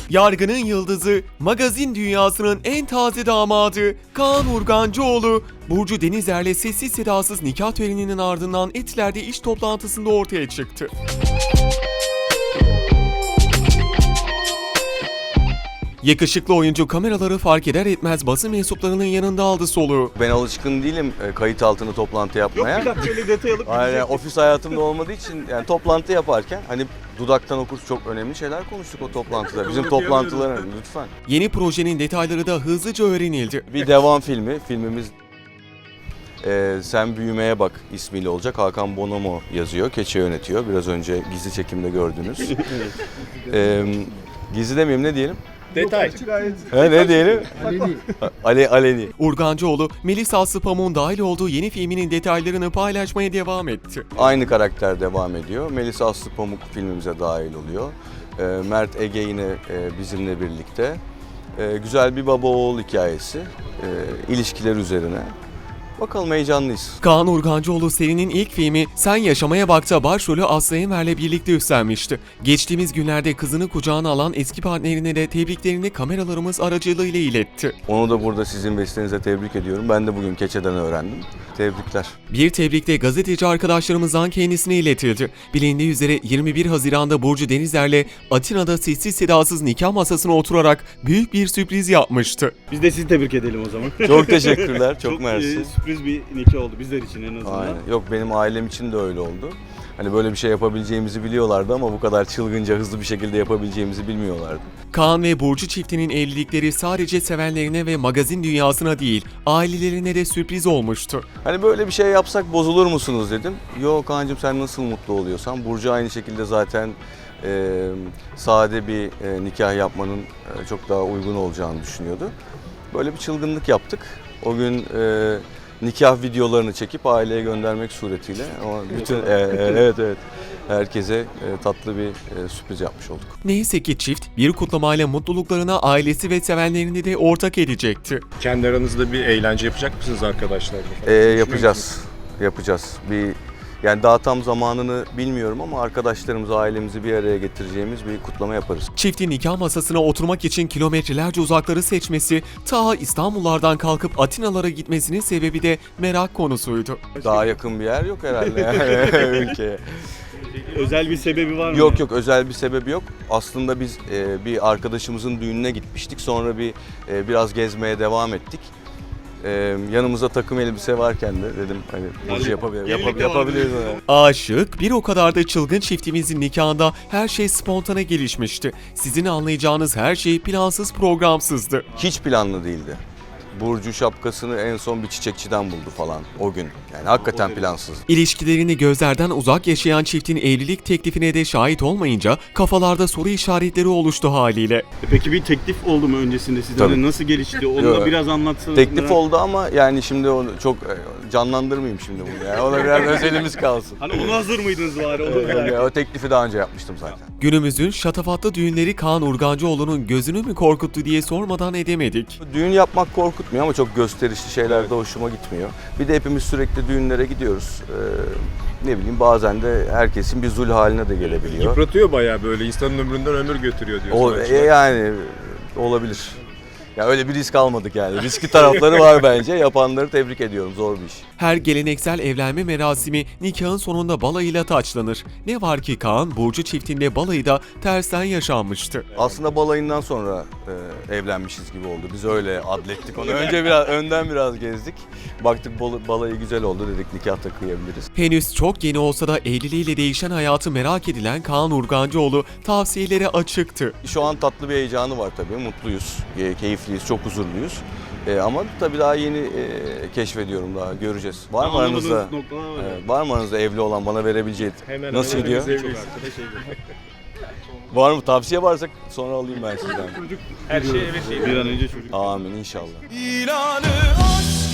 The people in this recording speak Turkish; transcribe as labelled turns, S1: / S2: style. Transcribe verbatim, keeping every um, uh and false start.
S1: Yargının yıldızı, magazin dünyasının en taze damadı Kaan Urgancıoğlu, Burcu Denizer'le sessiz sedasız nikah töreninin ardından Etiler'de iş toplantısında ortaya çıktı. Yakışıklı oyuncu kameraları fark eder etmez basın mensuplarının yanında aldı soluğu.
S2: Ben alışkın değilim e, kayıt altında toplantı yapmaya.
S3: Yok bir dakika öyle detay alıp
S2: Aynen, ofis hayatımda olmadığı için yani toplantı yaparken hani dudaktan okur çok önemli şeyler konuştuk o toplantıda. Bizim toplantılar lütfen.
S1: Yeni projenin detayları da hızlıca öğrenildi.
S2: Bir devam filmi. Filmimiz e, Sen Büyümeye Bak ismiyle olacak. Hakan Bonomo yazıyor. Keçe yönetiyor. Biraz önce gizli çekimde gördünüz. e, gizli demeyeyim, ne diyelim?
S3: detay.
S2: He, ne diyelim? Aleni. Ale, aleni.
S1: Urgancıoğlu, Melis Aslı Pamuk'un dahil olduğu yeni filminin detaylarını paylaşmaya devam etti.
S2: Aynı karakter devam ediyor. Melis Aslı Pamuk filmimize dahil oluyor. E, Mert Ege yine e, bizimle birlikte. E, güzel bir baba oğul hikayesi. E, ilişkiler üzerine. Bakalım, heyecanlıyız.
S1: Kaan Urgancıoğlu serinin ilk filmi Sen Yaşamaya Bak'ta başrolü Aslı Enver'le birlikte üstlenmişti. Geçtiğimiz günlerde kızını kucağına alan eski partnerine de tebriklerini kameralarımız aracılığıyla iletti.
S2: Onu da burada sizin vesilenizle tebrik ediyorum. Ben de bugün Keçe'den öğrendim. Tebrikler.
S1: Bir tebrik de gazeteci arkadaşlarımızdan kendisine iletildi. Bilindiği üzere yirmi bir Haziran'da Burcu Denizer'le Atina'da sessiz sedasız nikah masasına oturarak büyük bir sürpriz yapmıştı.
S3: Biz de sizi tebrik edelim o zaman.
S2: Çok teşekkürler. Çok, mersi.
S3: e, sürpriz bir nikah oldu bizler için en azından.
S2: Aynen. Yok, benim ailem için de öyle oldu. Hani böyle bir şey yapabileceğimizi biliyorlardı ama bu kadar çılgınca hızlı bir şekilde yapabileceğimizi bilmiyorlardı.
S1: Kaan ve Burcu çiftinin evlilikleri sadece sevenlerine ve magazin dünyasına değil, ailelerine de sürpriz olmuştu.
S2: Hani böyle bir şey yapsak bozulur musunuz dedim. Yok Kaan'cığım, sen nasıl mutlu oluyorsan. Burcu aynı şekilde zaten e, sade bir e, nikah yapmanın e, çok daha uygun olacağını düşünüyordu. Böyle bir çılgınlık yaptık. O gün e, nikah videolarını çekip aileye göndermek suretiyle ama bütün e, e, evet evet herkese e, tatlı bir e, sürpriz yapmış olduk.
S1: Neyse ki çift bir kutlamayla mutluluklarına ailesi ve sevenlerini de ortak edecekti.
S4: Kendi aranızda bir eğlence yapacak mısınız arkadaşlarla?
S2: E, yapacağız. Yapacağız. Bir yani daha tam zamanını bilmiyorum ama arkadaşlarımızı, ailemizi bir araya getireceğimiz bir kutlama yaparız.
S1: Çiftin nikah masasına oturmak için kilometrelerce uzakları seçmesi, ta İstanbullardan kalkıp Atinalara gitmesinin sebebi de merak konusuydu.
S2: Daha yakın bir yer yok herhalde yani ülkeye.
S3: Özel bir sebebi var mı?
S2: Yok yok, özel bir sebebi yok. Aslında biz e, bir arkadaşımızın düğününe gitmiştik. Sonra bir e, biraz gezmeye devam ettik. E, yanımızda takım elbise varken de dedim hani bu işi yapabilir, yapab- yapabiliriz. Yani.
S1: Aşık, bir o kadar da çılgın çiftimizin nikahında her şey spontane gelişmişti. Sizin anlayacağınız her şey plansız programsızdı.
S2: Hiç planlı değildi. Burcu şapkasını en son bir çiçekçiden buldu falan o gün. Yani hakikaten plansız.
S1: İlişkilerini gözlerden uzak yaşayan çiftin evlilik teklifine de şahit olmayınca kafalarda soru işaretleri oluştu haliyle.
S3: E Peki bir teklif oldu mu öncesinde size?
S2: Tabii.
S3: Hani nasıl gelişti? Onu
S2: Yok.
S3: da biraz anlatsanız.
S2: Teklif
S3: merak-
S2: oldu ama yani şimdi onu çok e, canlandırmayayım şimdi bunu ya. O da biraz özelimiz kalsın.
S3: Hani ona hazır mıydınız bari? Onu merak ettim.
S2: Yani o teklifi daha önce yapmıştım zaten.
S1: Günümüzün şatafatlı düğünleri Kaan Urgancıoğlu'nun gözünü mü korkuttu diye sormadan edemedik.
S2: Düğün yapmak korkutmuyor ama çok gösterişli şeyler de hoşuma gitmiyor. Bir de hepimiz sürekli düğünlere gidiyoruz. Ee, ne bileyim, bazen de herkesin bir zul haline de gelebiliyor.
S4: Yıpratıyor bayağı, böyle insanın ömründen ömür götürüyor diyor.
S2: O, e, yani olabilir. Ya öyle bir risk almadık yani. Riskli tarafları var bence. Yapanları tebrik ediyorum. Zor bir iş.
S1: Her geleneksel evlenme merasimi nikahın sonunda balayıyla taçlanır. Ne var ki Kaan, Burcu çiftinde balayı da tersten yaşanmıştı.
S2: Aslında balayından sonra e, evlenmişiz gibi oldu. Biz öyle adlettik onu. Önce biraz önden biraz gezdik. Baktık bal- balayı güzel oldu, dedik nikah da kıyabiliriz.
S1: Henüz çok yeni olsa da evliliğiyle değişen hayatı merak edilen Kaan Urgancıoğlu tavsiyelere açıktı.
S2: Şu an tatlı bir heyecanı var tabii. Mutluyuz, e, keyifliyiz, çok huzurluyuz. E, ama tabii daha yeni e, keşfediyorum, daha göreceğiz. Var mı
S3: Anlamadığınız
S2: aranızda?
S3: noktalar var.
S2: Evet, var mı aranızda evli olan, bana verebileceği?
S4: Hemen
S2: Nasıl
S4: hemen
S2: gidiyor?
S4: hepimiz evliyiz.
S2: Var mı? Tavsiye varsa sonra alayım ben sizden.
S4: Her şey evet değil.
S3: Bir an önce çocuk.
S2: Amin inşallah.
S1: İlanı aşk.